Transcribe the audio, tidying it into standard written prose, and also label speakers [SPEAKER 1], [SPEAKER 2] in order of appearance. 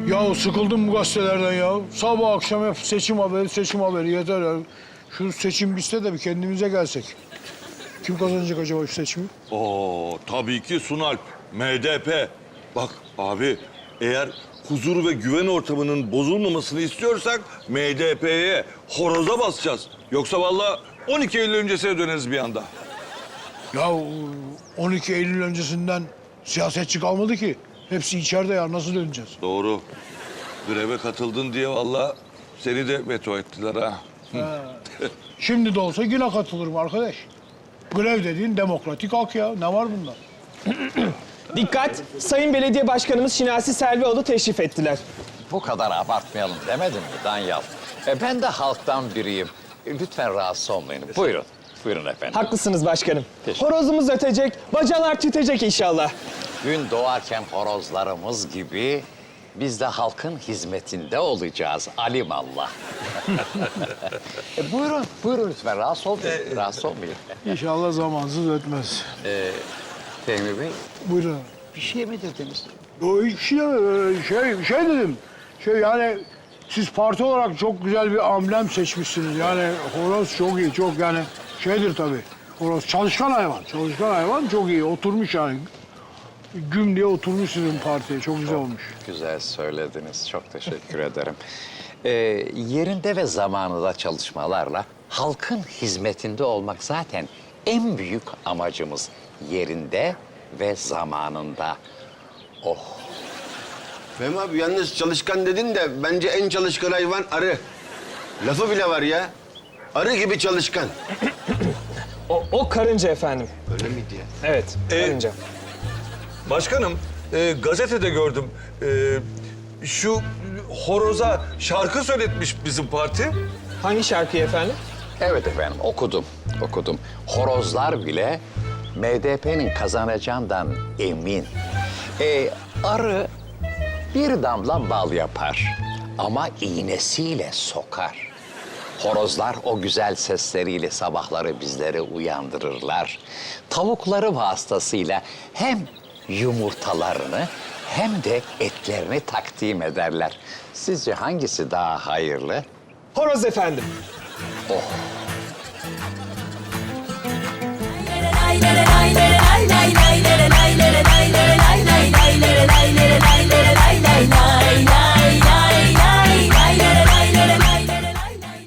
[SPEAKER 1] Ya sıkıldım bu gazetelerden ya. Sabah akşam hep seçim haberi yeter ya. Şu seçim bitse de bir kendimize gelsek. Kim kazanacak acaba şu seçimi?
[SPEAKER 2] Oo, tabii ki Sunalp, MDP. Bak abi, eğer huzur ve güven ortamının bozulmamasını istiyorsak MDP'ye, horoza basacağız. Yoksa vallahi 12 Eylül öncesine döneriz bir anda.
[SPEAKER 1] Ya 12 Eylül öncesinden siyasetçi kalmadı ki. Hepsi içeride ya, nasıl döneceğiz?
[SPEAKER 2] Doğru. Greve katıldın diye vallahi seni de veto ettiler ha.
[SPEAKER 1] Şimdi de olsa yine katılırım arkadaş. Grev dediğin demokratik hak ya. Ne var bunda?
[SPEAKER 3] Dikkat! Sayın Belediye Başkanımız Şinasi Selvioğlu teşrif ettiler.
[SPEAKER 4] Bu kadar abartmayalım demedim mi Danyal? Ben de halktan biriyim. Lütfen rahatsız olmayın. Buyurun. Buyurun efendim.
[SPEAKER 3] Haklısınız başkanım.
[SPEAKER 4] Teşekkür.
[SPEAKER 3] Horozumuz ötecek, bacalar tütecek inşallah.
[SPEAKER 4] Gün doğarken horozlarımız gibi biz de halkın hizmetinde olacağız. Alimallah. Buyurun, buyurun lütfen. Rahatsız olmayın. Rahatsız olmayın.
[SPEAKER 1] İnşallah zamansız ötmez.
[SPEAKER 4] Fehmi Bey,
[SPEAKER 1] Buyurun.
[SPEAKER 4] bir şey mi dediniz?
[SPEAKER 1] O hiçbir şey demedim. Şey dedim. Yani siz parti olarak çok güzel bir amblem seçmişsiniz. Yani horoz çok iyi, çok yani şeydir tabii. Horoz çalışkan hayvan. Çalışkan hayvan çok iyi. Oturmuş yani. Güm diye oturmuş sizin partiye. Çok güzel olmuş.
[SPEAKER 4] Güzel söylediniz. Çok teşekkür ederim. Yerinde ve zamanında çalışmalarla halkın hizmetinde olmak zaten en büyük amacımız. Yerinde ve zamanında. Oh.
[SPEAKER 5] Fehmi abi yalnız çalışkan dedin de bence en çalışkan hayvan arı. Lafı bile var ya. Arı gibi çalışkan.
[SPEAKER 3] O karınca efendim.
[SPEAKER 5] Öyle miydi ya?
[SPEAKER 3] Evet, karınca.
[SPEAKER 2] Başkanım, gazetede gördüm. Şu horoza şarkı söyletmiş bizim parti.
[SPEAKER 3] Hangi şarkıyı efendim?
[SPEAKER 4] Evet efendim, okudum. Horozlar bile MDP'nin kazanacağından emin. Arı bir damla bal yapar ama iğnesiyle sokar. Horozlar o güzel sesleriyle sabahları bizleri uyandırırlar. Tavukları vasıtasıyla hem yumurtalarını hem de etlerini takdim ederler. Sizce hangisi daha hayırlı?
[SPEAKER 3] Horoz efendim.